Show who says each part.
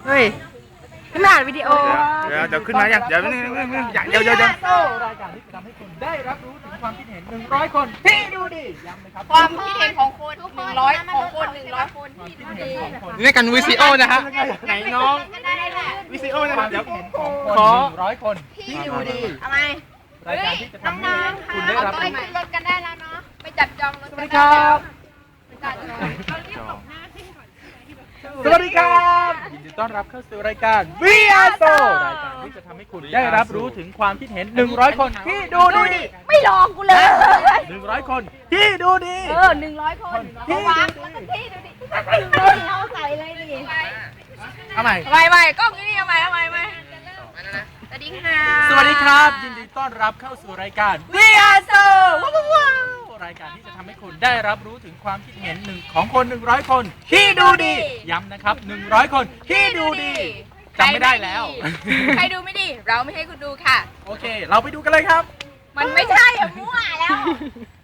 Speaker 1: เฮ้ยขนาดวิดีโอ
Speaker 2: เดี๋ยวขึ้นมาอย่างเดี๋ยวรายการที่จะทำให้คุณได้รับรู้ถึงความคิดเห็น100 คนที่ดูดีย้ำนะครับ
Speaker 3: ความคิดเห็นของคน100ของคน100คนที่ดูดี
Speaker 1: นี่กันวิซีโอนะฮะ
Speaker 2: ไหนน้องวิซีโอนะครับเดี๋ยวเห็นของคน100 คนที่ดูดี
Speaker 3: ทำไม
Speaker 2: รายการที่จะทำให้
Speaker 3: น้องๆ
Speaker 2: คุณ
Speaker 3: ค่ะ
Speaker 2: ได้
Speaker 3: เอา
Speaker 2: รับ
Speaker 3: ไป
Speaker 2: รู้
Speaker 3: ขึ้นรถกันได้แล้วเนาะไปจับจองรถ
Speaker 2: ส
Speaker 3: กั
Speaker 2: วัส
Speaker 3: น
Speaker 2: ดี
Speaker 3: ได้
Speaker 2: ครั
Speaker 3: แล้ว
Speaker 2: บ สวัสดีครับยินดีต้อนรับเข้าสู่รายการ VR Show รายการที่จะทำให้คุณได้รับรู้ถึงความคิดเห็น100 คนที่ดูดี
Speaker 3: ไม่ลองกูเลย
Speaker 2: 100 คนที่ดูดี
Speaker 3: 100 คน
Speaker 2: ที่
Speaker 3: วางแล้วก็ที่ดูดิเอาใส่เลยดิ
Speaker 2: เอาใหม่
Speaker 3: ใหม่กล้องนี่เอาใหม่สวัสดีค่ะ
Speaker 2: สวัสดีครับยินดีต้อนรับเข้าสู่รายการ VR Show ว้าวรายการที่จะทำให้คุณได้รับรู้ถึงความคิดเห็นของคน100 คนที่ดูดีย้ำนะครับ100 คนที่ดูดีจำไม่ได้แล้ว
Speaker 3: ใครดูไม่ดี เราไม่ให้คุณดูค่ะ
Speaker 2: โอเค เราไปดูกันเลยครับ
Speaker 3: มันไม่ใช่อะมั่วแล้ว